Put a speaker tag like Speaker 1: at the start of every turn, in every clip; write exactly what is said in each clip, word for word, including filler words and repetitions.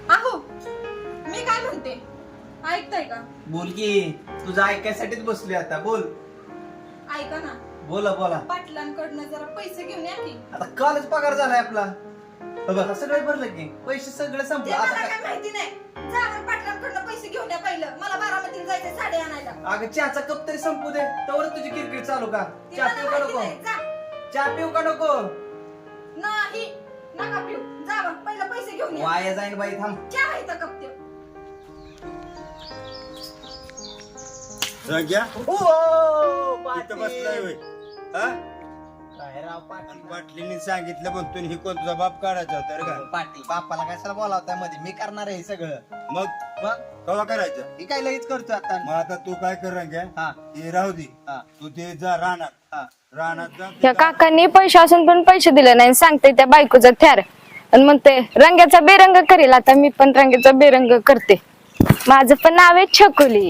Speaker 1: अहो मी काय म्हणते ऐकताय का?
Speaker 2: बोल की, तुझं ऐकायसाठीच बसली आता. बोल.
Speaker 1: ऐका ना,
Speaker 2: बोला बोला.
Speaker 1: पाटलांकडनं जरा पैसे घेऊन या की.
Speaker 2: आता कालच पगार झालाय आपला. बघा सगळं भरलं की, पैसे सगळे
Speaker 1: ते
Speaker 2: संपले.
Speaker 1: मला
Speaker 2: आता
Speaker 1: काय
Speaker 2: काय?
Speaker 1: माहिती नाही. जा बरं पाटलांकडनं पैसे घेऊन या पहिलं. मला बारामतीला जायचंय साडी आणायला.
Speaker 2: अगं चहाचा कप तरी संपू दे, तवर तुझी किरकिर चालू का?
Speaker 1: ते
Speaker 2: चहा
Speaker 1: मला
Speaker 2: पिऊ का
Speaker 1: माहिती
Speaker 2: नको?
Speaker 1: नाही. जा.
Speaker 2: चहा पिऊ का नको?
Speaker 1: नाही नका पिऊ. जा बरं पहिलं पैसे घेऊन या.
Speaker 2: वाया जाईन बाई, थांब.
Speaker 1: चहा आहे तर कप ते.
Speaker 3: संख्या
Speaker 2: ओ,
Speaker 3: इथं बसलाय होय. हा?
Speaker 2: काय राव पाटील.
Speaker 3: पाटलीने सांगितलं पण तू ही कोण तुझा बाप काढायचा होता रे का?
Speaker 2: पाटील बापाला कशाला बोलावताय मध्ये? मी करणार आहे हे सगळं.
Speaker 3: मग
Speaker 2: मग
Speaker 3: कवा करायचं?
Speaker 2: ही काय लगेच करतोय आता.
Speaker 3: मग आता तू काय कर रंग्या?
Speaker 2: हा
Speaker 3: हे राहू दे.
Speaker 2: हा
Speaker 3: तू ते जा राहणार
Speaker 2: हा.
Speaker 3: राहणार जा.
Speaker 4: त्या काकांनी पैसे असून पण पैसे दिले नाही. सांगते त्या बायकोचा थ्यार आणि म्हणते रंगाचा बेरंग करेल. आता मी पण रंगाचा बेरंग करते. माझं पण नाव आहे छकुली.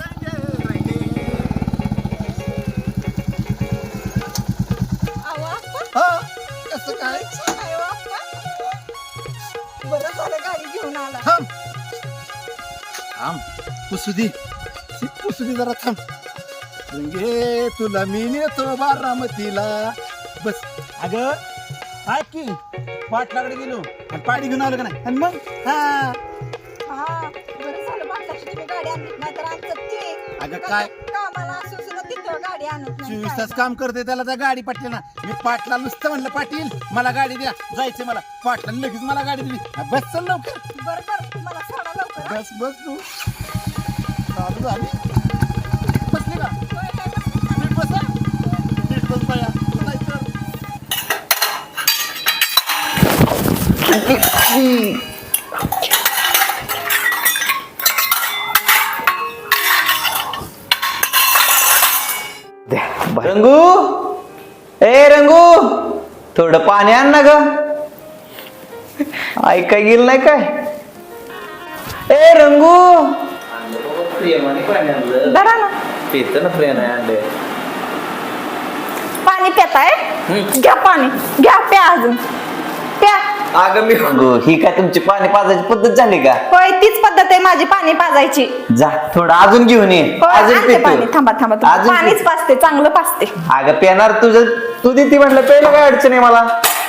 Speaker 1: अहो आप्पा.
Speaker 2: हा, कसं काय?
Speaker 1: अहो आप्पा. बरं झालं गाडी घेऊन आला.
Speaker 2: थांब थांब, पुसू दे. सी, पुसू दे जरा, थांब. रंगे तुला मी नेतो बारामतीला. बस. अगं काय की पाटलाकडे गेलो आणि पाणी घेऊन आलो का नाही? आणि मग हा
Speaker 1: हा बरं झालं पाटलाची तुम्ही गाडी आणली. नाहीतर आमचं ते
Speaker 2: अगं काय?
Speaker 1: कामाला असू सुद्धा तिथं गाडी आणत नाही.
Speaker 2: चोवीस
Speaker 1: काय?
Speaker 2: तास काम करते त्याला त्या गाडी पाटली ना. मी पाटला नुसतं म्हणलं पाटील मला गाडी द्या, जायचं मला. पाटलाने लगेच मला गाडी दिली. हा, बस चल लवकर.
Speaker 1: बरं बरं मला सोडा लवकर हा.
Speaker 2: बस बस तू. चालू झाली. बसली का?
Speaker 1: होय, काय बस-
Speaker 2: नीट बस हा. नीट बस बाया. नाही तर.
Speaker 5: रंगू, ए रंगू, थोडं पाणी आण ना ग. ऐकाय गेलं नाही काय? ए रंगू, प्रेमाने पाणी आणलं.
Speaker 4: धरा ना.
Speaker 5: पित ना प्रेमाने आणले.
Speaker 4: पाणी पिताय? घ्या पाणी. घ्या प्या अजून प्या.
Speaker 5: अगं मी रंगू, ही काय तुमची पाणी पाजायची पद्धत झाली का?
Speaker 4: होय तीच पद्धत आहे माझी पाणी पाजायची.
Speaker 5: जा थोडं अजून घेऊन ये.
Speaker 4: होय,
Speaker 5: अजून
Speaker 4: आणते पाणी.
Speaker 5: पितो.
Speaker 4: थांबा थांबा थांबा.
Speaker 5: अजून
Speaker 4: पाणीच
Speaker 5: पितो.
Speaker 4: पाजते चांगलं पाजते.
Speaker 5: अगं पेणार तुझं तू देते म्हटलं पहिलं काय अडचण आहे मला.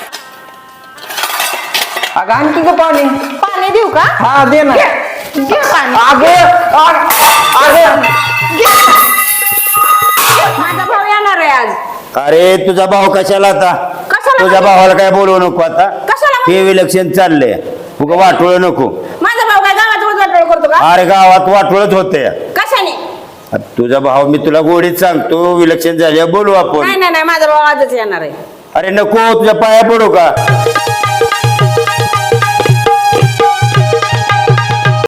Speaker 5: अगं आणखी का पाणी?
Speaker 4: पाणी देऊ का?
Speaker 5: हा दे ना.
Speaker 4: घे घे पाणी.
Speaker 5: अगं अगं, अगं
Speaker 4: माझा भाऊ येणार आहे आज.
Speaker 3: अरे तुझा भाऊ कशाला आता?
Speaker 4: कशाला
Speaker 3: तुझ्या
Speaker 4: म्हणजे?
Speaker 3: भावाला काय बोलवू नको आता.
Speaker 4: कशाला म्हणजे?
Speaker 3: हे विलक्षण चाललंय. उगा वाटोळ नको.
Speaker 4: माझा भाऊ काय गावात उजळट करतो का?
Speaker 3: अरे गावात वाटोळच होते.
Speaker 4: कशाने?
Speaker 3: तुझा भाऊ मी तुला गोडीत सांगतो विलक्षण झाल्या बोलू आपण.
Speaker 4: नाही नाही नाही माझा भाऊ आजच येणार आहे.
Speaker 3: अरे नको तुझ्या पाया पडू का?